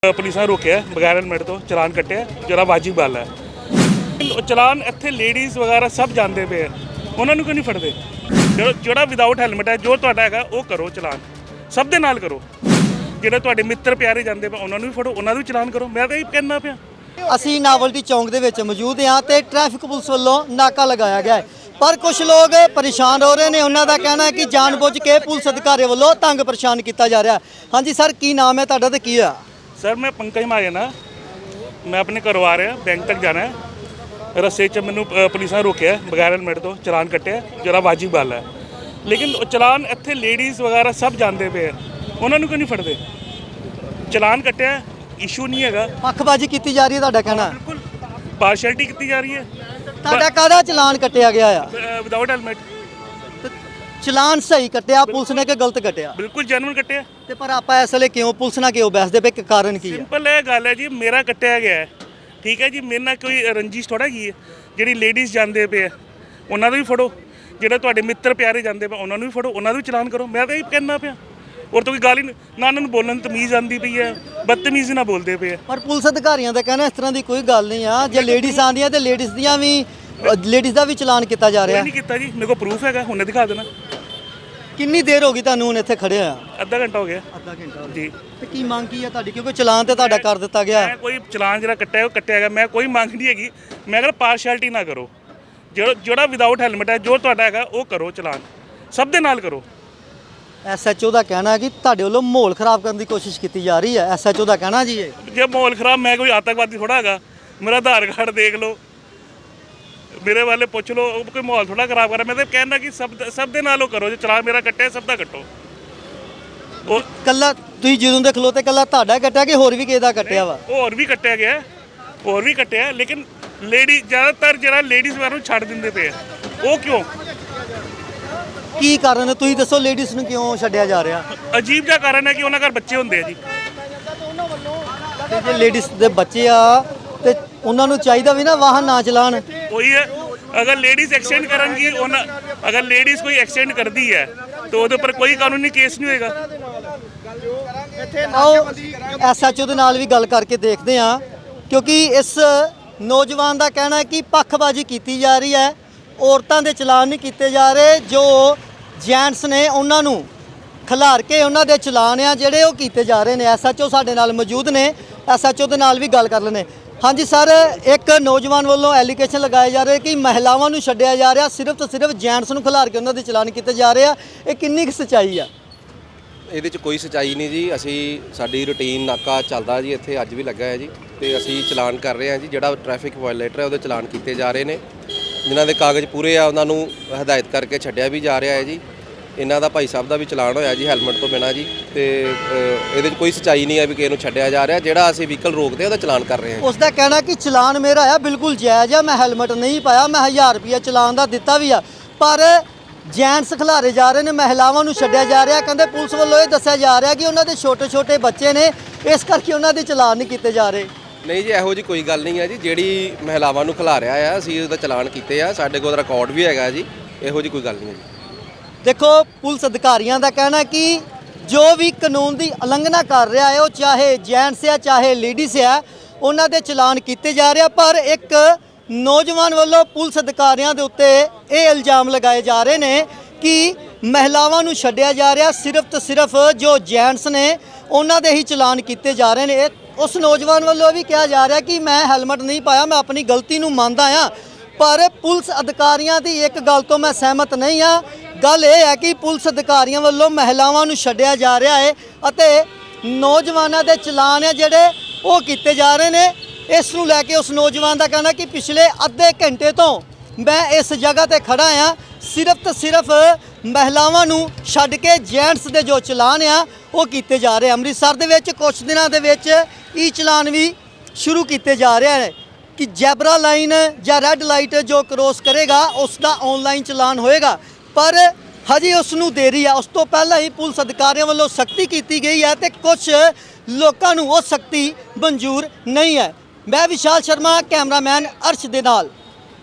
Police ਨੇ ਰੋਕਿਆ ਬਗੈਰ ਹੈਲਮਟ ਤੋਂ ਚਲਾਨ ਕੱਟਿਆ ਜਿਹੜਾ ਵਾਜਿਬ ਗੱਲ ਹੈ। ਚਲਾਨ ਇੱਥੇ ਲੇਡੀਜ਼ ਵਗੈਰਾ ਸਭ ਜਾਂਦੇ ਪਏ ਉਹਨਾਂ ਨੂੰ ਕਿਉਂ ਨਹੀਂ ਫੜਦੇ? ਜਿਹੜਾ ਵਿਦਆਊਟ ਹੈਲਮਟ ਹੈ ਜੋ ਤੁਹਾਡਾ ਹੈਗਾ ਉਹ ਕਰੋ ਚਲਾਨ, ਸਭ ਦੇ ਨਾਲ ਕਰੋ। ਜਿਹੜੇ ਤੁਹਾਡੇ ਮਿੱਤਰ ਪਿਆਰੇ ਜਾਂਦੇ ਪਏ ਉਹਨਾਂ ਨੂੰ ਵੀ ਫੜੋ, ਉਹਨਾਂ ਨੂੰ ਵੀ ਚਲਾਨ ਕਰੋ। ਮੈਂ ਤਾਂ ਇਹ ਕਹਿਣਾ ਪਿਆ। ਅਸੀਂ ਨਾਵਲਟੀ ਚੌਂਕ ਦੇ ਵਿੱਚ ਮੌਜੂਦ ਹਾਂ ਤੇ ਟ੍ਰੈਫਿਕ ਪੁਲਿਸ ਵੱਲੋਂ ਨਾਕਾ ਲਗਾਇਆ ਗਿਆ ਹੈ, ਪਰ ਕੁਝ ਲੋਕ ਪਰੇਸ਼ਾਨ ਹੋ ਰਹੇ ਨੇ। ਉਹਨਾਂ ਦਾ ਕਹਿਣਾ ਹੈ ਕਿ ਜਾਣਬੁੱਝ ਕੇ ਪੁਲਿਸ ਅਧਿਕਾਰੀ ਵੱਲੋਂ ਤੰਗ ਪਰੇਸ਼ਾਨ ਕੀਤਾ ਜਾ ਰਿਹਾ। ਹਾਂਜੀ ਸਰ, ਕੀ ਨਾਮ ਹੈ ਤੁਹਾਡਾ ਤੇ ਕੀ ਆ? ਸਰ ਮੈਂ ਪੰਕਜ ਮਹਾਜਨ ਹਾਂ, ਮੈਂ ਆਪਣੇ ਘਰੋਂ ਆ ਰਿਹਾ, ਬੈਂਕ ਤੱਕ ਜਾਣਾ ਹੈ। ਰਸਤੇ 'ਚ ਮੈਨੂੰ ਪੁਲਿਸ ਨੇ ਰੋਕਿਆ ਬਗੈਰ ਹੈਲਮਟ ਤੋਂ ਚਲਾਨ ਕੱਟਿਆ ਜਿਹੜਾ ਵਾਜਿਬ ਗੱਲ ਹੈ। ਲੇਕਿਨ ਚਲਾਨ ਇੱਥੇ ਲੇਡੀਜ਼ ਵਗੈਰਾ ਸਭ ਜਾਂਦੇ ਪਏ ਉਹਨਾਂ ਨੂੰ ਕਿਉਂ ਨਹੀਂ ਫੜਦੇ? ਚਲਾਨ ਕੱਟਿਆ, ਇਸ਼ੂ ਨਹੀਂ ਹੈਗਾ। ਪੱਖਬਾਜ਼ੀ ਕੀਤੀ ਜਾ ਰਹੀ ਹੈ ਤੁਹਾਡਾ ਕਹਿਣਾ? ਬਿਲਕੁਲ ਪਾਰਸ਼ੈਲਿਟੀ ਕੀਤੀ ਜਾ ਰਹੀ ਹੈ। ਤੁਹਾਡਾ ਕਾਹਦਾ ਚਲਾਨ ਕੱਟਿਆ ਗਿਆ ਆ? Without helmet. ਚਲਾਨ ਸਹੀ ਕੱਟਿਆ ਪੁਲਿਸ ਨੇ ਕਿ ਗਲਤ ਕੱਟਿਆ? ਬਿਲਕੁਲ ਜੈਨੂਇਨ ਕੱਟਿਆ। ਤੇ ਪਰ ਆਪਾਂ ਇਸ ਵੇਲੇ ਕਿਉਂ ਪੁਲਿਸ ਨਾਲ ਕਿਉਂ ਬਹਿਸਦੇ ਪਏ, ਕਿ ਕਾਰਨ ਕੀ ਹੈ? ਸਿੰਪਲ ਇਹ ਗੱਲ ਹੈ ਜੀ, ਮੇਰਾ ਕੱਟਿਆ ਗਿਆ ਹੈ, ਠੀਕ ਹੈ ਜੀ। ਮੇਰੇ ਨਾਲ ਕੋਈ ਰੰਜਿਸ਼ ਥੋੜਾ ਕੀ ਹੈ। ਜਿਹੜੀ ਲੇਡੀਜ਼ ਜਾਂਦੇ ਪਏ ਉਹਨਾਂ ਨੂੰ ਵੀ ਫੜੋ, ਜਿਹੜੇ ਤੁਹਾਡੇ ਮਿੱਤਰ ਪਿਆਰੇ ਜਾਂਦੇ ਪਏ ਉਹਨਾਂ ਨੂੰ ਵੀ ਫੜੋ, ਉਹਨਾਂ ਨੂੰ ਵੀ ਚਲਾਨ ਕਰੋ। ਮੈਂ ਤਾਂ ਇਹ ਕਹਿਣਾ ਪਿਆ। ਔਰ ਤਾਂ ਕੋਈ ਗੱਲ ਹੀ ਨਾ ਉਹਨਾਂ ਨੂੰ ਬੋਲਣ ਤਮੀਜ਼ ਆਉਂਦੀ ਪਈ ਹੈ, ਬਦਤਮੀਜ਼ੀ ਨਾਲ ਬੋਲਦੇ ਪਏ। ਪਰ ਪੁਲਿਸ ਅਧਿਕਾਰੀਆਂ ਦਾ ਕਹਿਣਾ ਇਸ ਤਰ੍ਹਾਂ ਦੀ ਕੋਈ ਗੱਲ ਨਹੀਂ ਆ। ਜੇ ਲੇਡੀਜ਼ ਆਉਂਦੀਆਂ ਤੇ ਲੇਡੀਜ਼ ਦਾ ਵੀ ਚਲਾਨ ਕੀਤਾ ਜਾ ਰਿਹਾ। ਨਹੀਂ ਕੀਤਾ ਜੀ, ਮੇਰੇ ਕੋਲ ਪ੍ਰੂਫ ਹੈਗਾ, ਹੁਣੇ ਦਿਖਾ ਦੇਣਾ। ਕਿੰਨੀ ਦੇਰ ਹੋ ਗਈ ਤੁਹਾਨੂੰ ਹੁਣ ਇੱਥੇ ਖੜੇ ਆ? ਅੱਧਾ ਘੰਟਾ ਹੋ ਗਿਆ। ਅੱਧਾ ਘੰਟਾ ਜੀ। ਤੇ ਕੀ ਮੰਗ ਕੀ ਹੈ ਤੁਹਾਡੀ? ਕਿਉਂਕਿ ਚਲਾਨ ਤੇ ਤੁਹਾਡਾ ਕਰ ਦਿੱਤਾ ਗਿਆ। ਮੈਂ ਕੋਈ ਚਲਾਨ ਜਿਹੜਾ ਕੱਟਿਆ ਉਹ ਕੱਟਿਆ ਗਿਆ, ਮੈਂ ਕੋਈ ਮੰਗ ਨਹੀਂ ਹੈਗੀ। ਮੈਂ ਕਹਿੰਦਾ ਪਾਰਸ਼ੈਲਿਟੀ ਨਾ ਕਰੋ। ਜਿਹੜਾ ਵਿਦਆਊਟ ਹੈਲਮਟ ਹੈ ਜੋ ਤੁਹਾਡਾ ਹੈਗਾ ਉਹ ਕਰੋ ਚਲਾਨ, ਸਭ ਦੇ ਨਾਲ ਕਰੋ। ਐਸਐਚਓ ਦਾ ਕਹਿਣਾ ਹੈ ਕਿ ਤੁਹਾਡੇ ਵੱਲੋਂ ਮਾਹੌਲ ਖਰਾਬ ਕਰਨ ਦੀ ਕੋਸ਼ਿਸ਼ ਕੀਤੀ ਜਾ ਰਹੀ ਹੈ। ਐਸਐਚਓ ਦਾ ਕਹਿਣਾ ਜੀ ਇਹ। ਜੇ ਮਾਹੌਲ ਖਰਾਬ, ਮੈਂ ਕੋਈ ਆਤੰਕਵਾਦੀ ਥੋੜਾ ਹੈਗਾ। ਮੇਰਾ ਆਧਾਰ ਕਾਰਡ ਦੇਖ ਲਓ, ਮੇਰੇ ਵਾਲੇ ਪੁੱਛ ਲਓ, ਉਹ ਕੋਈ ਮਾਹੌਲ ਥੋੜਾ ਖਰਾਬ ਕਰ ਰਿਹਾ। ਮੈਂ ਤਾਂ ਕਹਿਣਾ ਕਿ ਸਭ ਦੇ ਨਾਲ ਉਹ ਕਰੋ। ਜੇ ਚਲਾਨ ਮੇਰਾ ਕੱਟਿਆ ਸਭ ਦਾ ਕੱਟੋ। ਉਹ ਕੱਲਾ ਤੁਸੀਂ ਜਦੋਂ ਦੇ ਖਲੋਤੇ ਕੱਲਾ ਤੁਹਾਡਾ ਕੱਟਿਆ ਕਿ ਹੋਰ ਵੀ ਕਿਸੇ ਦਾ ਕੱਟਿਆ ਵਾ? ਹੋਰ ਵੀ ਕੱਟਿਆ ਗਿਆ, ਹੋਰ ਵੀ ਕੱਟਿਆ। ਲੇਕਿਨ ਜ਼ਿਆਦਾਤਰ ਜਿਹੜਾ ਲੇਡੀਜ਼ ਵਾਰ ਨੂੰ ਛੱਡ ਦਿੰਦੇ ਪਏ ਉਹ ਕਿਉਂ? ਕੀ ਕਾਰਨ ਹੈ ਤੁਸੀਂ ਦੱਸੋ? ਲੇਡੀਜ਼ ਨੂੰ ਕਿਉਂ ਛੱਡਿਆ ਜਾ ਰਿਹਾ? ਅਜੀਬ ਜਿਹਾ ਕਾਰਨ ਹੈ ਕਿ ਉਹਨਾਂ ਘਰ ਬੱਚੇ ਹੁੰਦੇ ਆ ਜੀ। ਤੇ ਜੇ ਲੇਡੀਜ਼ ਦੇ ਬੱਚੇ ਆ ਤੇ ਉਹਨਾਂ ਨੂੰ ਚਾਹੀਦਾ ਵੀ ਨਾ ਵਾਹਨ ਨਾ ਚਲਾਣ। ਉਹੀ ਹੈ, ਅਗਰ ਲੇਡੀਜ਼ ਐਕਸੀਡੈਂਟ ਕਰਨਗੀ, ਅਗਰ ਲੇਡੀਜ਼ ਕੋਈ ਐਕਸੀਡੈਂਟ ਕਰਦੀ ਹੈ ਤਾਂ ਉਹਦੇ ਉੱਪਰ ਕੋਈ ਕਾਨੂੰਨੀ ਕੇਸ ਨਹੀਂ ਹੋਏਗਾ। ਆਓ ਐਸਐਚਓ ਦੇ ਨਾਲ ਵੀ ਗੱਲ ਕਰਕੇ ਦੇਖਦੇ ਹਾਂ, ਕਿਉਂਕਿ ਇਸ ਨੌਜਵਾਨ ਦਾ ਕਹਿਣਾ ਹੈ ਕਿ ਪੱਖਬਾਜ਼ੀ ਕੀਤੀ ਜਾ ਰਹੀ ਹੈ। ਔਰਤਾਂ ਦੇ ਚਲਾਨ ਨਹੀਂ ਕੀਤੇ ਜਾ ਰਹੇ, ਜੋ ਜੈਂਟਸ ਨੇ ਉਹਨਾਂ ਨੂੰ ਖਿਲਾਰ ਕੇ ਉਹਨਾਂ ਦੇ ਚਲਾਨ ਆ ਜਿਹੜੇ ਉਹ ਕੀਤੇ ਜਾ ਰਹੇ ਨੇ। ਐਸਐਚਓ ਸਾਡੇ ਨਾਲ ਮੌਜੂਦ ਨੇ, ਐਸਐਚਓ ਦੇ ਨਾਲ ਵੀ ਗੱਲ ਕਰ ਲੈਣੇ। ਹਾਂਜੀ ਸਰ, ਇੱਕ ਨੌਜਵਾਨ ਵੱਲੋਂ ਐਲੀਗੇਸ਼ਨ ਲਗਾਏ ਜਾ ਰਹੇ ਕਿ ਮਹਿਲਾਵਾਂ ਨੂੰ ਛੱਡਿਆ ਜਾ ਰਿਹਾ, ਸਿਰਫ ਤੇ ਸਿਰਫ ਜੈਂਟਸ ਨੂੰ ਖਿਲਾਰ ਕੇ ਉਹਨਾਂ ਦੇ ਚਲਾਨ ਕੀਤੇ ਜਾ ਰਹੇ ਆ। ਇਹ ਕਿੰਨੀ ਕੁ ਸੱਚਾਈ ਆ? ਇਹਦੇ 'ਚ ਕੋਈ ਸੱਚਾਈ ਨਹੀਂ ਜੀ। ਸਾਡੀ ਰੂਟੀਨ ਨਾਕਾ ਚੱਲਦਾ ਜੀ, ਇੱਥੇ ਅੱਜ ਵੀ ਲੱਗਾ ਹੈ ਜੀ, ਤੇ ਅਸੀਂ ਚਲਾਨ ਕਰ ਰਹੇ ਹਾਂ ਜੀ। ਜਿਹੜਾ ਟ੍ਰੈਫਿਕ ਵਾਇਲੇਟਰ ਹੈ ਉਹਦੇ ਚਲਾਨ ਕੀਤੇ ਜਾ ਰਹੇ ਨੇ। ਜਿਨ੍ਹਾਂ ਦੇ ਕਾਗਜ਼ ਪੂਰੇ ਆ ਉਹਨਾਂ ਨੂੰ ਹਦਾਇਤ ਕਰਕੇ ਛੱਡਿਆ ਵੀ ਜਾ ਰਿਹਾ ਹੈ ਜੀ। ਇਹਨਾਂ ਦਾ ਭਾਈ ਸਾਹਿਬ ਦਾ ਵੀ ਚਲਾਨ ਹੋਇਆ ਜੀ ਹੈਲਮਟ ਤੋਂ ਬਿਨਾਂ ਜੀ। ਤੇ ਇਹਦੇ 'ਚ ਕੋਈ ਸੱਚਾਈ ਨਹੀਂ ਹੈ ਵੀ ਕਿਸੇ ਨੂੰ ਛੱਡਿਆ ਜਾ ਰਿਹਾ। ਜਿਹੜਾ ਅਸੀਂ ਵਹੀਕਲ ਰੋਕਦੇ ਉਹਦਾ ਚਲਾਨ ਕਰ ਰਹੇ ਹਾਂ। ਉਸ ਦਾ ਕਹਿਣਾ ਕਿ ਚਲਾਨ ਮੇਰਾ ਆ ਬਿਲਕੁਲ ਜਾਇਜ਼ ਆ, ਮੈਂ ਹੈਲਮਟ ਨਹੀਂ ਪਾਇਆ, ਮੈਂ 1000 ਰੁਪਇਆ ਚਲਾਨ ਦਾ ਦਿੱਤਾ ਵੀ ਆ, ਪਰ ਜੈਂਟਸ ਖਿਲਾਰੇ ਜਾ ਰਹੇ ਨੇ, ਮਹਿਲਾਵਾਂ ਨੂੰ ਛੱਡਿਆ ਜਾ ਰਿਹਾ। ਕਹਿੰਦੇ ਪੁਲਿਸ ਵੱਲੋਂ ਇਹ ਦੱਸਿਆ ਜਾ ਰਿਹਾ ਕਿ ਉਹਨਾਂ ਦੇ ਛੋਟੇ ਛੋਟੇ ਬੱਚੇ ਨੇ, ਇਸ ਕਰਕੇ ਉਹਨਾਂ ਦੇ ਚਲਾਨ ਨਹੀਂ ਕੀਤੇ ਜਾ ਰਹੇ। ਨਹੀਂ ਜੀ, ਇਹੋ ਜੀ ਕੋਈ ਗੱਲ ਨਹੀਂ ਹੈ ਜੀ। ਜਿਹੜੀ ਮਹਿਲਾਵਾਂ ਨੂੰ ਖਿਲਾਰਿਆ ਆ ਅਸੀਂ ਉਹਦਾ ਚਲਾਨ ਕੀਤੇ ਆ, ਸਾਡੇ ਕੋਲ ਰਿਕਾਰਡ ਵੀ ਹੈਗਾ ਜੀ। ਇਹੋ ਜੀ ਕੋਈ ਗੱਲ ਨਹੀਂ ਹੈ ਜੀ। ਦੇਖੋ, ਪੁਲਿਸ ਅਧਿਕਾਰੀਆਂ ਦਾ ਕਹਿਣਾ ਕਿ ਜੋ ਵੀ ਕਾਨੂੰਨ ਦੀ ਉਲੰਘਣਾ ਕਰ ਰਿਹਾ ਹੈ, ਉਹ ਚਾਹੇ ਜੈਂਟਸ ਆ ਚਾਹੇ ਲੇਡੀਜ਼ ਆ, ਉਹਨਾਂ ਦੇ ਚਲਾਨ ਕੀਤੇ ਜਾ ਰਿਹਾ। ਪਰ ਇੱਕ ਨੌਜਵਾਨ ਵੱਲੋਂ ਪੁਲਿਸ ਅਧਿਕਾਰੀਆਂ ਦੇ ਉੱਤੇ ਇਹ ਇਲਜ਼ਾਮ ਲਗਾਏ ਜਾ ਰਹੇ ਨੇ ਕਿ ਮਹਿਲਾਵਾਂ ਨੂੰ ਛੱਡਿਆ ਜਾ ਰਿਹਾ, ਸਿਰਫ ਤੇ ਸਿਰਫ ਜੋ ਜੈਂਟਸ ਨੇ ਉਹਨਾਂ ਦੇ ਹੀ ਚਲਾਨ ਕੀਤੇ ਜਾ ਰਹੇ ਨੇ। ਉਸ ਨੌਜਵਾਨ ਵੱਲੋਂ ਵੀ ਕਿਹਾ ਜਾ ਰਿਹਾ ਕਿ ਮੈਂ ਹੈਲਮਟ ਨਹੀਂ ਪਾਇਆ, ਮੈਂ ਆਪਣੀ ਗਲਤੀ ਨੂੰ ਮੰਨਦਾ ਹਾਂ, ਪਰ ਪੁਲਿਸ ਅਧਿਕਾਰੀਆਂ ਦੀ ਇੱਕ ਗੱਲ ਤੋਂ ਮੈਂ ਸਹਿਮਤ ਨਹੀਂ ਹਾਂ। ਗੱਲ ਇਹ ਹੈ ਕਿ ਪੁਲਿਸ ਅਧਿਕਾਰੀਆਂ ਵੱਲੋਂ ਮਹਿਲਾਵਾਂ ਨੂੰ ਛੱਡਿਆ ਜਾ ਰਿਹਾ ਹੈ ਅਤੇ ਨੌਜਵਾਨਾਂ ਦੇ ਚਲਾਨ ਆ ਜਿਹੜੇ ਉਹ ਕੀਤੇ ਜਾ ਰਹੇ ਨੇ। ਇਸ ਨੂੰ ਲੈ ਕੇ ਉਸ ਨੌਜਵਾਨ ਦਾ ਕਹਿਣਾ ਕਿ ਪਿਛਲੇ ਅੱਧੇ ਘੰਟੇ ਤੋਂ ਮੈਂ ਇਸ ਜਗ੍ਹਾ ਤੇ ਖੜਾ ਹਾਂ, ਸਿਰਫ ਤੇ ਸਿਰਫ ਮਹਿਲਾਵਾਂ ਨੂੰ ਛੱਡ ਕੇ ਜੈਂਟਸ ਦੇ ਜੋ ਚਲਾਨ ਆ ਉਹ ਕੀਤੇ ਜਾ ਰਹੇ। ਅੰਮ੍ਰਿਤਸਰ ਦੇ ਵਿੱਚ ਕੁਝ ਦਿਨਾਂ ਦੇ ਵਿੱਚ ਈ ਚਲਾਨ ਵੀ ਸ਼ੁਰੂ ਕੀਤੇ ਜਾ ਰਹੇ ਨੇ ਕਿ ਜੈਬਰਾ ਲਾਈਨ ਜਾਂ ਰੈੱਡ ਲਾਈਟ ਜੋ ਕ੍ਰੋਸ ਕਰੇਗਾ ਉਸ ਦਾ ਆਨਲਾਈਨ ਚਲਾਨ ਹੋਏਗਾ, ਪਰ ਹਜੇ ਉਸ ਨੂੰ ਦੇਰੀ ਆ। ਉਸ ਤੋਂ ਪਹਿਲਾਂ ਹੀ ਪੁਲਿਸ ਅਧਿਕਾਰੀਆਂ ਵੱਲੋਂ ਸਖਤੀ ਕੀਤੀ ਗਈ ਹੈ ਤੇ ਕੁਝ ਲੋਕਾਂ ਨੂੰ ਉਹ ਸਖਤੀ ਮਨਜ਼ੂਰ ਨਹੀਂ ਹੈ। ਮੈਂ ਵਿਸ਼ਾਲ ਸ਼ਰਮਾ, ਕੈਮਰਾਮੈਨ ਅਰਸ਼ ਦੇ ਨਾਲ।